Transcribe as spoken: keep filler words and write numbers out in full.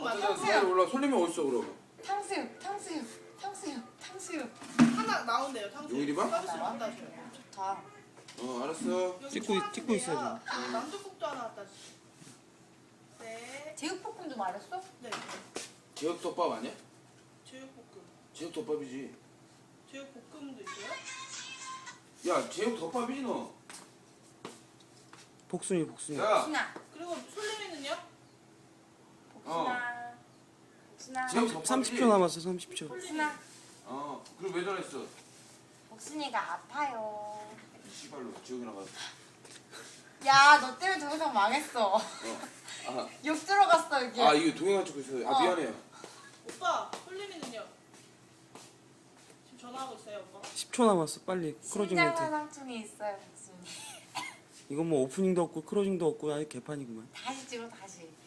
맞아. 탕수육. 빨리 올라. 손님이 어딨어 그럼? 탕수육, 탕수육, 탕수육, 탕수육. 하나 나온대요. 탕수육. 용일이봐? 서비스로 갖다 줘요. 좋다. 어 알았어. 찍고 있- 찍고 있어요, 지금. 남쪽국도 하나 갖다 주. 네. 제육볶음도 말했어? 네. 제육덮밥 아니야? 제육볶음. 제육덮밥이지. 제육볶음도 있어요? 야 제육덮밥이지 너. 복순이 복순이. 야. 복순아, 그리고 솔림이는요? 복순아, 복순아, 제육덮밥이지. 삼십 초 남았어. 삼십 초. 복순아. 어. 그럼 왜 전화했어? 복순이가 아파요. 씨발로 지옥이나 가서. 야, 너 때문에 동영상 망했어. 어. 아. 욕 들어갔어 여기. 아 이거 동영상 찍고 있어요. 아 어. 미안해요. 오빠, 솔림이는요? 지금 전화하고 있어요, 오빠. 십 초 남았어. 빨리 크로징 멘트. 심장마상충이 있어요, 복순이. 이건 뭐 오프닝도 없고 크로징도 없고 아예 개판이구만. 다시 찍어, 다시.